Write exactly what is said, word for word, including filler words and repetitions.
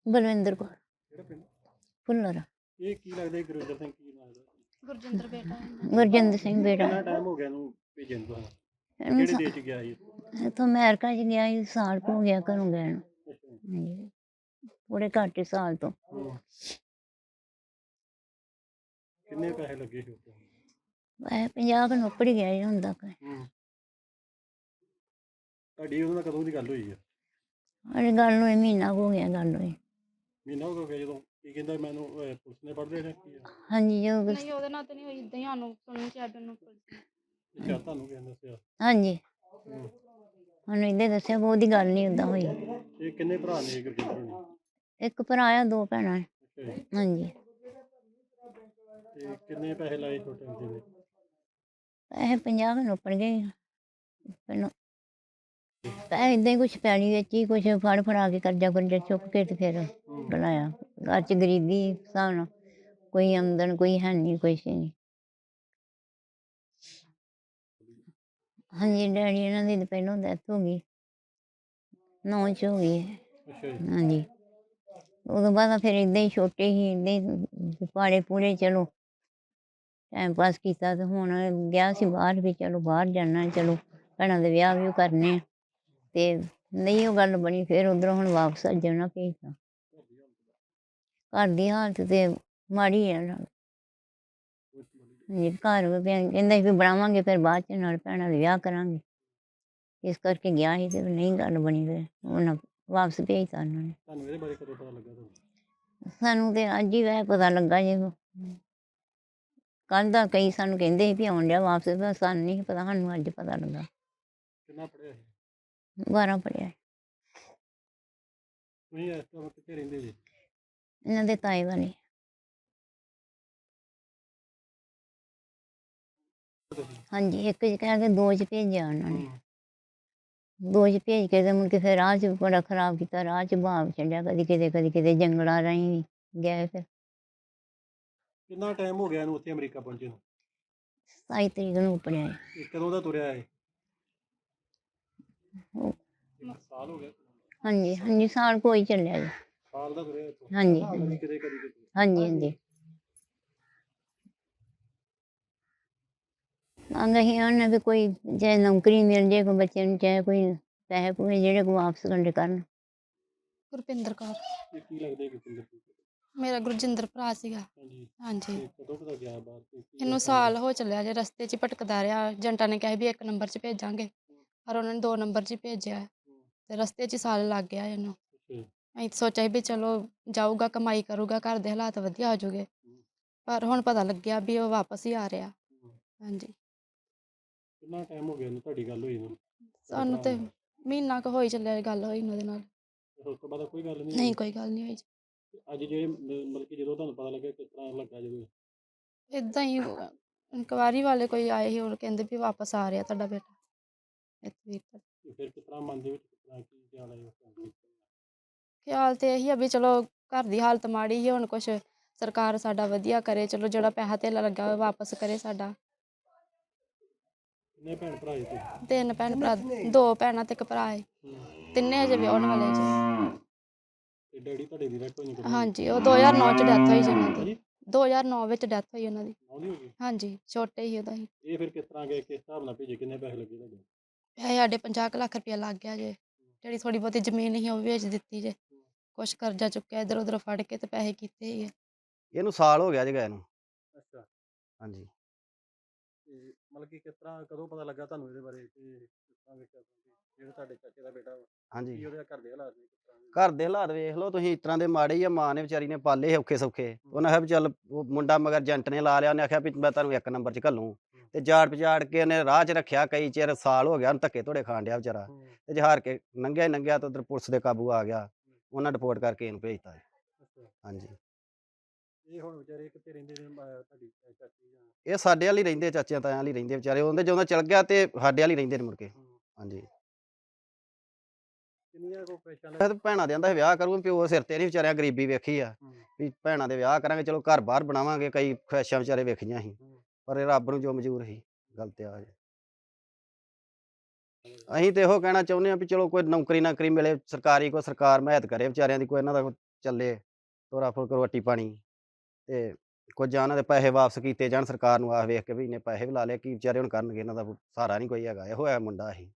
ਬਲਵਿੰਦਰ ਕੌਰ ਕਿਹੜਾ ਪਿੰਡ? ਭੁੱਲਰ। ਇਹ ਕੀ ਲੱਗਦਾ ਗੁਰਵਿੰਦਰ ਸਿੰਘ ਕੀ ਲੱਗਦਾ? ਗੁਰਜਿੰਦਰ ਬੇਟਾ ਹੈ। ਗੁਰਜਿੰਦਰ ਸਿੰਘ ਬੇਟਾ। ਕਿੰਨਾ ਟਾਈਮ ਹੋ ਗਿਆ ਇਹਨੂੰ ਭੇਜਣ ਨੂੰ? ਇਹਨੂੰ ਕਿਹੜੇ ਦੇਸ਼ 'ਚ ਗਿਆ ਸੀ? ਇੱਥੋਂ ਅਮਰੀਕਾ 'ਚ ਗਿਆ ਸੀ, ਸਾਲ ਕੁ ਹੋ ਗਿਆ ਘਰੋਂ ਗਏ ਨੂੰ। ਅੱਛਾ। ਹਾਂਜੀ, ਥੋੜੇ ਘੱਟ ਹੀ ਸਾਲ ਤੋਂ। ਹੂੰ। ਕਿੰਨੇ ਪੈਸੇ ਲੱਗੇ ਸੀ ਉੱਤੇ? ਵੈਸੇ ਪੰਜਾਹ ਕੁ ਨੌਕਰੀ ਗਿਆ ਜੀ ਹੁਣ ਤੱਕ। ਹੂੰ। ਤੁਹਾਡੀ ਉਹਦੇ ਨਾਲ ਕਦੋਂ ਦੀ ਗੱਲ ਹੋਈ ਹੈ? ਅਰੇ ਗੱਲ ਨੂੰ ਮਹੀਨਾ ਕੁ ਹੋ ਗਿਆ ਗੱਲ ਹੋਈ। ਮਹੀਨਾ ਹੋ ਗਿਆ ਜਦੋਂ? ਕੀ ਕਹਿੰਦਾ ਮੈਨੂੰ ਅਹ, ਪੁਲਿਸ ਨੇ ਪੜ੍ਹ ਲਿਆ ਕੀ ਆ? ਹਾਂਜੀ ਜੋ ਨਹੀਂ ਉਹਦੇ ਨਾਲ ਤਾਂ ਨਹੀਂ ਹੋਈ, ਇਦਾਂ ਹੀ ਸਾਨੂੰ ਸੁਣਨ ਚ ਆਇਆ ਵੀ ਉਹਨੂੰ ਪੁਲਿਸ ਨੇ। ਅੱਛਾ, ਤੁਹਾਨੂੰ ਕਿਹਨੇ ਦੱਸਿਆ? ਹਾਂਜੀ ਹੂੰ। ਸਾਨੂੰ ਇਹਦੇ ਦੱਸਿਆ, ਬਹੁਤੀ ਗੱਲ ਨਹੀਂ ਓਦਾਂ ਹੋਈ। ਇਹ ਕਿੰਨੇ ਭਰਾ ਨੇ ਗੁਰਜਿੰਦਰ ਹੋਣੀ? ਇੱਕ ਭਰਾ ਆ, ਦੋ ਭੈਣਾਂ। ਅੱਛਾ ਜੀ। ਹਾਂਜੀ ਤੇ ਕਿੰਨੇ ਪੈਸੇ ਲਾਏ ਛੋਟੇ ਹੁੰਦੇ ਨੇ? ਪੈਸੇ ਪੰਜਾਹ ਕੁ ਨੌਕਰ ਗਏ ਪਹਿਲਾਂ। ਪੈਸੇ ਏਦਾਂ ਹੀ ਕੁਛ ਪੈਲੀ ਵਿੱਚ ਹੀ ਕੁਛ ਫੜ ਫੜਾ ਕੇ ਕਰਜ਼ਾ ਕੁਰਜ਼ਾ ਚੁੱਕ ਕੇ ਤੇ ਫਿਰ ਬਣਾਇਆ। ਘਰ 'ਚ ਗਰੀਬੀ ਹਿਸਾਬ ਨਾਲ, ਕੋਈ ਆਮਦਨ ਕੋਈ ਹੈ ਨਹੀਂ, ਕੁਛ ਨਹੀਂ। ਹਾਂਜੀ ਡੈਡੀ ਇਹਨਾਂ ਦੀ ਤਾਂ ਪਹਿਲੋਂ ਡੈਥ ਹੋ ਗਈ, ਨੌਂ 'ਚ ਹੋ ਗਈ। ਅੱਛਾ ਜੀ। ਹਾਂਜੀ ਉਦੋਂ ਬਾਅਦ ਫਿਰ ਏਦਾਂ ਹੀ ਛੋਟੇ ਸੀ, ਏਦਾਂ ਹੀ ਪਾਲੇ ਪੂਲੇ ਚਲੋ ਟਾਈਮ ਪਾਸ ਕੀਤਾ। ਤੇ ਹੁਣ ਗਿਆ ਸੀ ਬਾਹਰ ਵੀ, ਚਲੋ ਬਾਹਰ ਜਾਣਾ, ਚਲੋ ਭੈਣਾਂ ਦੇ ਵਿਆਹ ਵਿਊਹ ਕਰਨੇ ਆ। ਤੇ ਨਹੀਂ ਉਹ ਗੱਲ ਬਣੀ, ਫਿਰ ਉੱਧਰੋਂ ਹੁਣ ਵਾਪਸ ਜਾਣਾ ਭੇਜਤਾ। ਘਰ ਦੀ ਹਾਲਤ ਤੇ ਮਾੜੀ ਆ ਨਾਲ। ਹਾਂਜੀ ਘਰ ਕਹਿੰਦਾ ਸੀ ਵੀ ਬਣਾਵਾਂਗੇ, ਫਿਰ ਬਾਅਦ 'ਚ ਨਾਲ ਭੈਣਾਂ ਦੇ ਵਿਆਹ ਕਰਾਂਗੇ, ਇਸ ਕਰਕੇ ਗਿਆ ਸੀ। ਤੇ ਨਹੀਂ ਗੱਲ ਬਣੀ, ਫਿਰ ਉਹਨਾਂ ਵਾਪਸ ਭੇਜਤਾ ਉਹਨਾਂ ਨੇ। ਤੁਹਾਨੂੰ ਇਹਦੇ ਬਾਰੇ ਕਦੋਂ ਪਤਾ ਲੱਗਾ ਤੁਹਾਨੂੰ? ਸਾਨੂੰ ਤੇ ਅੱਜ ਹੀ ਵੈਸੇ ਪਤਾ ਲੱਗਾ ਜੀ। ਕੱਲ੍ਹ ਦਾ ਕਈ ਸਾਨੂੰ ਕਹਿੰਦੇ ਸੀ ਵੀ ਆਉਣ ਡਿਆ ਵਾਪਸ, ਪਰ ਸਾਨੂੰ ਨਹੀਂ ਪਤਾ, ਸਾਨੂੰ ਅੱਜ ਪਤਾ ਲੱਗਾ। ਕਿੰਨਾ ਪੜ੍ਹਿਆ ਸੀ? ਬਾਰਾਂ ਪੜ੍ਹਿਆ। ਤੁਸੀਂ ਇਸ ਟਾਈਮ ਕਿੱਥੇ ਰਹਿੰਦੇ ਜੀ? ਇਹਨਾਂ ਦੇ ਤਾਏ ਵਾਲੇ। ਹਾਂਜੀ ਇੱਕ 'ਚ ਕਹਿ ਕੇ ਦੋ 'ਚ ਭੇਜਿਆ ਉਹਨਾਂ ਨੇ। ਦੋ 'ਚ ਭੇਜ ਕੇ ਤੇ ਮੁੜ ਕੇ ਫਿਰ ਰਾਹ 'ਚ ਬੜਾ ਖਰਾਬ ਕੀਤਾ, ਰਾਹ 'ਚ ਭਾਵ ਛੱਡਿਆ, ਕਦੀ ਕਿਤੇ ਕਦੀ ਕਿਤੇ ਜੰਗਲਾਂ ਰਾਹੀਂ ਵੀ ਗਏ। ਫਿਰ ਕਿੰਨਾ ਟਾਈਮ ਹੋ ਗਿਆ ਇਹਨੂੰ ਉੱਥੇ ਅਮਰੀਕਾ ਪਹੁੰਚੇ ਨੂੰ? ਸਤਾਈ ਤਰੀਕ ਨੂੰ ਉਪੜਿਆ। ਇਹ ਕਦੋਂ ਦਾ ਤੁਰਿਆ ਹੈ? ਉਹ ਇੱਕ ਸਾਲ ਹੋ ਗਿਆ? ਹਾਂਜੀ ਹਾਂਜੀ ਸਾਲ ਕੋਈ ਚੱਲਿਆ ਜੀ। ਸਾਲ ਦਾ ਤੁਰਿਆ ਇੱਥੋਂ? ਹਾਂਜੀ ਕਦੀ ਕਿਤੇ ਕਦੀ ਕਿਤੇ? ਹਾਂਜੀ ਹਾਂਜੀ ਮੰਗ ਅਸੀਂ ਉਹਨੇ ਵੀ ਕੋਈ ਚਾਹੇ ਨੌਕਰੀ ਮਿਲ ਜੇ ਕੋਈ ਬੱਚੇ ਨੂੰ, ਚਾਹੇ ਕੋਈ ਪੈਸੇ ਪੂਸੇ ਜਿਹੜੇ ਕੋ ਵਾਪਸ ਕੰਡੇ ਕਰਨ। ਗੁਰਪਿੰਦਰ ਕੌਰ। ਇਹ ਕੀ ਲੱਗਦਾ ਗੁਰਜਿੰਦਰ ਸਿੰਘ? ਮੇਰਾ ਗੁਰਜਿੰਦਰ ਭਰਾ ਸੀਗਾ। ਹਾਂਜੀ। ਹਾਂਜੀ ਤੇ ਕਦੋਂ ਪਤਾ ਗਿਆ ਬਾਹਰ ਤੇ ਕੀ ਇਹਨੂੰ ਸਾਲ ਹੋ ਚੱਲਿਆ ਜੇ, ਰਸਤੇ 'ਚ ਹੀ ਭਟਕਦਾ ਰਿਹਾ। ਏਜੰਟਾਂ ਨੇ ਕਿਹਾ ਵੀ ਇੱਕ ਨੰਬਰ 'ਚ ਭੇਜਾਂਗੇ, ਪਰ ਉਹਨਾਂ ਨੇ ਦੋ ਨੰਬਰ 'ਚ ਹੀ ਭੇਜਿਆ। ਤੇ ਰਸਤੇ 'ਚ ਹੀ ਸਾਲ ਲੱਗ ਗਿਆ ਇਹਨੂੰ। ਅੱਛਾ। ਅਸੀਂ ਤਾਂ ਸੋਚਿਆ ਸੀ ਵੀ ਚਲੋ ਜਾਊਗਾ, ਕਮਾਈ ਕਰੂਗਾ, ਘਰ ਦੇ ਹਾਲਾਤ ਵਧੀਆ ਹੋ ਜਾਊਗੇ, ਪਰ ਹੁਣ ਪਤਾ ਲੱਗਿਆ ਵੀ ਉਹ ਵਾਪਸ ਹੀ ਆ ਰਿਹਾ। ਹਾਂਜੀ ਕਿੰਨਾ ਟਾਈਮ ਹੋ ਗਿਆ ਇਹਨੂੰ ਤੁਹਾਡੀ ਗੱਲ ਹੋਈ ਨੂੰ? ਸਾਨੂੰ ਤੇ ਮਹੀਨਾ ਕੁ ਹੋਈ ਚੱਲਿਆ ਗੱਲ ਹੋਈ ਉਹਦੇ ਨਾਲ। ਉਸ ਤੋਂ ਬਾਅਦ ਕੋਈ ਗੱਲ ਨਹੀਂ? ਨਹੀਂ ਕੋਈ ਗੱਲ ਨਹੀਂ ਹੋਈ। ਅੱਜ ਜਿਹੜੇ ਮਤਲਬ ਕਿ ਜਦੋਂ ਤੁਹਾਨੂੰ ਪਤਾ ਲੱਗਾ ਕਿਸ ਤਰ੍ਹਾਂ ਲੱਗਾ? ਜਦੋਂ ਇੱਦਾਂ ਹੀ ਇਨਕੁਆਇਰੀ ਵਾਲੇ ਕੋਈ ਆਏ ਸੀ, ਉਹ ਕਹਿੰਦੇ ਵੀ ਵਾਪਸ ਆ ਰਿਹਾ ਤੁਹਾਡਾ ਬੇਟਾ ਇੱਥੇ। ਫਿਰ ਕਿਸ ਤਰ੍ਹਾਂ ਮਨ ਦੇ ਵਿੱਚ ਕਿਸ ਤਰ੍ਹਾਂ ਕੀ ਖਿਆਲ ਆਇਆ? ਖਿਆਲ ਤੇ ਇਹੀ ਆ ਵੀ ਚਲੋ ਘਰ ਦੀ ਹਾਲਤ ਮਾੜੀ ਸੀ, ਹੁਣ ਕੁਛ ਸਰਕਾਰ ਸਾਡਾ ਵਧੀਆ ਕਰੇ, ਚਲੋ ਜਿਹੜਾ ਪੈਸਾ ਧੇਲਾ ਲੱਗਾ ਹੋਇਆ ਵਾਪਸ ਕਰੇ ਸਾਡਾ। ਕਿੰਨੇ ਭੈਣ ਭਰਾ ਜੀ ਤੁਸੀਂ? ਤਿੰਨ ਭੈਣ ਭਰਾ, ਦੋ ਭੈਣਾਂ ਤੇ ਇੱਕ ਭਰਾ ਹੈ। ਤਿੰਨੇ ਹਜੇ ਵਿਆਹੁਣ ਵਾਲੇ ਜੀ। ਤੇ ਡੈਡੀ ਤੁਹਾਡੇ ਦੀ ਡੈਥ ਹੋਈ ਕਦੋਂ? ਹਾਂਜੀ ਉਹ ਦੋ ਹਜ਼ਾਰ ਨੌਂ 'ਚ ਡੈਥ ਹੋਈ ਜੀ ਉਹਨਾਂ ਦੀ। ਦੋ ਹਜ਼ਾਰ ਨੌਂ ਵਿੱਚ ਡੈਥ ਹੋਈ ਉਹਨਾਂ ਦੀ। ਆਉਂਦੀ ਹੋ ਗਈ? ਹਾਂਜੀ ਛੋਟੇ ਹੀ ਉਦੋਂ ਹੀ। ਇਹ ਫਿਰ ਕਿਸ ਤਰ੍ਹਾਂ ਗਏ, ਕਿਸ ਹਿਸਾਬ ਨਾਲ ਭੇਜੇ, ਕਿੰਨੇ ਪੈਸੇ ਲੱਗੇ ਤੁਹਾਡੇ? ਪੈਸੇ ਸਾਡੇ ਪੰਜਾਹ ਕੁ ਲੱਖ ਰੁਪਇਆ ਲੱਗ ਗਿਆ ਜੇ। ਜਿਹੜੀ ਥੋੜ੍ਹੀ ਬਹੁਤੀ ਜ਼ਮੀਨ ਸੀ ਉਹ ਵੀ ਵੇਚ ਦਿੱਤੀ ਜੇ। ਕੁਛ ਕਰਜ਼ਾ ਚੁੱਕਿਆ ਇੱਧਰ ਉੱਧਰ ਫੜ ਕੇ ਤੇ ਪੈਸੇ ਕੀਤੇ ਹੀ। ਇਹਨੂੰ ਸਾਲ ਹੋ ਗਿਆ ਜੀ ਗਏ ਨੂੰ। ਅੱਛਾ। ਹਾਂਜੀ ਤੇ ਮਤਲਬ ਕਿ ਕਿਸ ਤਰ੍ਹਾਂ ਕਦੋਂ ਪਤਾ ਲੱਗਾ ਤੁਹਾਨੂੰ ਇਹਦੇ ਬਾਰੇ ਕਿ ਕਿਸ ਤਰ੍ਹਾਂ ਵੇਖਿਆ ਜਿਹੜਾ ਤੁਹਾਡੇ ਚਾਚੇ ਦਾ ਬੇਟਾ ਵਾ? ਹਾਂਜੀ ਕੀ ਉਹਦੇ ਘਰ ਦੇ ਹਾਲਾਤ ਨੇ ਕਿਸ ਤਰ੍ਹਾਂ ਦੇ? ਘਰ ਦੇ ਹਾਲਾਤ ਵੇਖ ਲਓ ਤੁਸੀਂ, ਇਸ ਤਰ੍ਹਾਂ ਦੇ ਮਾੜੇ ਹੀ ਆ। ਮਾਂ ਨੇ ਵਿਚਾਰੀ ਨੇ ਪਾਲੇ ਔਖੇ ਸੌਖੇ। ਉਹਨੇ ਆਖਿਆ ਵੀ ਚੱਲ ਉਹ ਮੁੰਡਾ ਮਗਰ ਏਜੰਟ ਨੇ ਲਾ ਲਿਆ, ਉਹਨੇ ਆਖਿਆ ਵੀ ਮੈਂ ਤੁਹਾਨੂੰ ਇੱਕ ਨੰਬਰ 'ਚ ਘੱਲੂੰ। ਤੇ ਜਾੜ ਪਜਾੜ ਕੇ ਉਹਨੇ ਰਾਹ 'ਚ ਰੱਖਿਆ ਕਈ ਚਿਰ, ਸਾਲ ਹੋ ਗਿਆ ਉਹਨੂੰ ਧੱਕੇ ਧੋੜੇ ਖਾਣ ਡਿਆ ਵਿਚਾਰਾ। ਤੇ ਜਹਾਰ ਕੇ ਲੰਘਿਆ ਹੀ ਲੰਘਿਆ ਤਾਂ ਉੱਧਰ ਪੁਲਿਸ ਦੇ ਕਾਬੂ ਆ ਗਿਆ, ਉਹਨਾਂ ਰਿਪੋਰਟ ਕਰਕੇ ਇਹਨੂੰ ਭੇਜਤਾ। ਹਾਂਜੀ ਇਹ ਹੁਣ ਵਿਚਾਰੇ ਕਿੱਥੇ ਰਹਿੰਦੇ ਨੇ ਤੁਹਾਡੀ ਚਾਚੀ ਜਾਂ? ਇਹ ਸਾਡੇ ਵਾਲੀ ਰਹਿੰਦੇ, ਚਾਚਿਆਂ ਤਾਇਆਂ ਵਾਲੀ ਰਹਿੰਦੇ ਵਿਚਾਰੇ। ਉਹਦੇ ਜਦੋਂ ਚਲ ਗਿਆ ਤੇ ਸਾਡੇ ਵਾਲੀ ਰਹਿੰਦੇ ਨੇ ਮੁੜ ਕੇ। ਹਾਂਜੀ ਕਿੰਨੀਆਂ ਕੋ ਪੈਸਾ ਮੈਂ ਤਾਂ ਭੈਣਾਂ ਦੇ ਆਂਦਾ ਵਿਆਹ ਕਰੂੰ, ਪਿਓ ਸਿਰ ਤੇ ਨਹੀਂ ਵਿਚਾਰਿਆਂ ਗਰੀਬੀ ਵੇਖੀ ਆ ਵੀ ਭੈਣਾਂ ਦੇ ਵਿਆਹ ਕਰਾਂਗੇ, ਚਲੋ ਘਰ ਬਾਹਰ ਬਣਾਵਾਂਗੇ, ਕਈ ਖੁਆਇਸ਼ਾਂ ਵਿਚਾਰੇ ਵੇਖੀਆਂ ਸੀ, ਪਰ ਇਹ ਰੱਬ ਨੂੰ ਜੋ ਮਨਜ਼ੂਰ ਸੀ ਗੱਲ ਤੇ ਆ ਜੇ। ਅਸੀਂ ਤੇ ਇਹੋ ਕਹਿਣਾ ਚਾਹੁੰਦੇ ਹਾਂ ਵੀ ਚਲੋ ਕੋਈ ਨੌਕਰੀ ਨਾਕਰੀ ਮਿਲੇ ਸਰਕਾਰੀ, ਕੋਈ ਸਰਕਾਰ ਮਦਦ ਕਰੇ ਵਿਚਾਰਿਆਂ ਦੀ, ਕੋਈ ਇਹਨਾਂ ਦਾ ਚੱਲੇ ਤੋਰਾ ਫੁਲਕ ਰੋਟੀ ਪਾਣੀ ਤੇ ਕੁਝ ਜਾਂ ਉਹਨਾਂ ਦੇ ਪੈਸੇ ਵਾਪਸ ਕੀਤੇ ਜਾਣ ਸਰਕਾਰ ਨੂੰ ਆਖ ਵੇਖ ਕੇ ਵੀ ਇੰਨੇ ਪੈਸੇ ਵੀ ਲਾ ਲਏ ਕੀ ਵਿਚਾਰੇ ਹੁਣ ਕਰਨਗੇ ਇਹਨਾਂ ਦਾ ਸਹਾਰਾ ਨਹੀਂ ਕੋਈ ਹੈਗਾ ਇਹੋ ਹੈ ਮੁੰਡਾ ਅਸੀਂ